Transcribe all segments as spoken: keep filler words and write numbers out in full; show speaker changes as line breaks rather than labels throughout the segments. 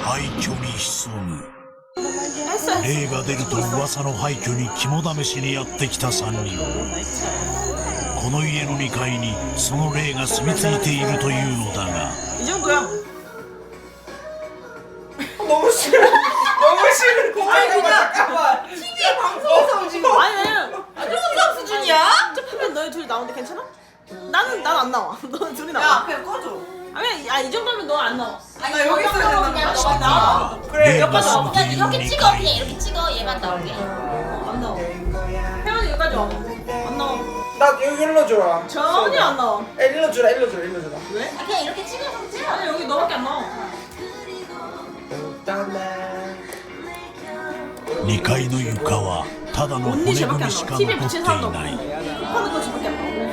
廃墟に潜む霊が出ると噂の廃墟に肝試しにやってきたさんにん。この家のにかいにその霊が住み着いているというのだが
이 정도야.
너무 싫어. 너무 싫어. 고마워. 잠깐만.
티비 방송에서 지금 아니 아니.
아, 조금 수준이야?
쪽파면 너희 둘이 나오는데 괜찮아? 나는 난 안 나와. 너는 둘이 나와.
야, 그냥 꺼줘.
아니 아이 정도면 너 안 나와.
아, 나 여기 있어야 된다는
그냥
거야.
너가 나와.
그래,
네,
옆에 서
맞습니다.
그냥 이렇게 찍어 그냥 이렇게 찍어 얘만 나오게.
안 나와. 혜연이 여기까지 와. 안 나와.
나 여기 일러줘라.
전혀 안 나와.
야, 일러주라, 일러주라, 일러주라.
왜?
아, 그냥 이렇게 찍어 성재야.
아니 여기 너밖에 안 나와.
にかいの床はただの骨
언니 쟤밖에
組
안
みし
나와.
か
티비에
残っ
비친
てい
사람도
な
없고.
い
하는 거 쟤밖에 안 나와.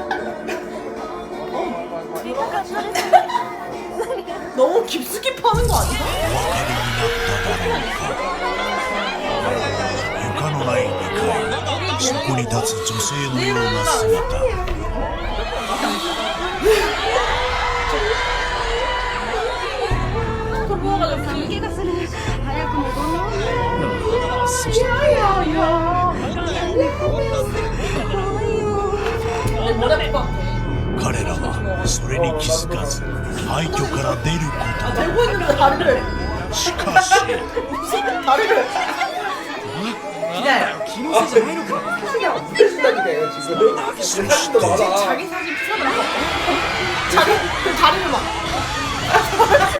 너무 깊숙이 파는 거 아니야?
お分かりになっただろうか床のないにかいそこに立つ女性のような姿
気がする。早く戻ろう。
そして 彼らはそれに気づかず廃墟から出るこ
아 들고 있는데 다리를.
としかし
다리를.
기다려. 김우수 좀 해놓고. 그냥 없애준다니까요, 지금. 사진도 많아.
자기 사진 찍어달라고. 자기 그 다리를 막.